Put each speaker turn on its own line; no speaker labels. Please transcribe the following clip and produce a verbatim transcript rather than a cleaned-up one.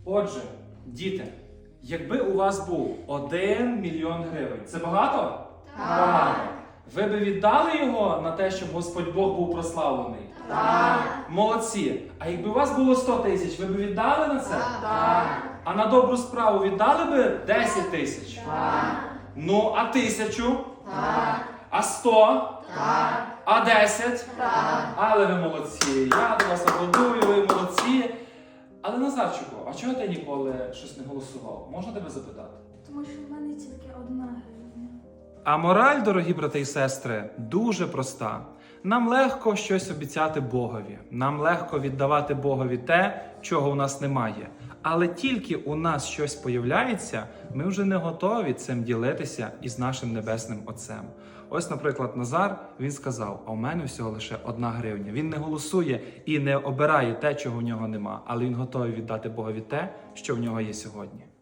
Отже, діти, якби у вас був один мільйон гривень, це багато?
Так.
Багато. Ви би віддали його на те, щоб Господь Бог був прославлений?
Так.
Молодці. А якби у вас було сто тисяч, ви б віддали на це?
Так.
А на добру справу віддали би десять тисяч?
Так.
Ну, а тисячу?
Так.
А сто?
Так.
А десять?
Так.
Але ви молодці. Я до вас аплодую, ви молодці. Але, Назарчику, а чого ти ніколи щось не голосував? Можна тебе запитати?
Тому що в мене тільки одна гривня.
А мораль, дорогі брати і сестри, дуже проста. Нам легко щось обіцяти Богові. Нам легко віддавати Богові те, чого у нас немає. Але тільки у нас щось появляється, ми вже не готові цим ділитися із нашим Небесним Отцем. Ось, наприклад, Назар, він сказав, а у мене всього лише одна гривня. Він не голосує і не обирає те, чого в нього нема, але він готовий віддати Богові те, що в нього є сьогодні.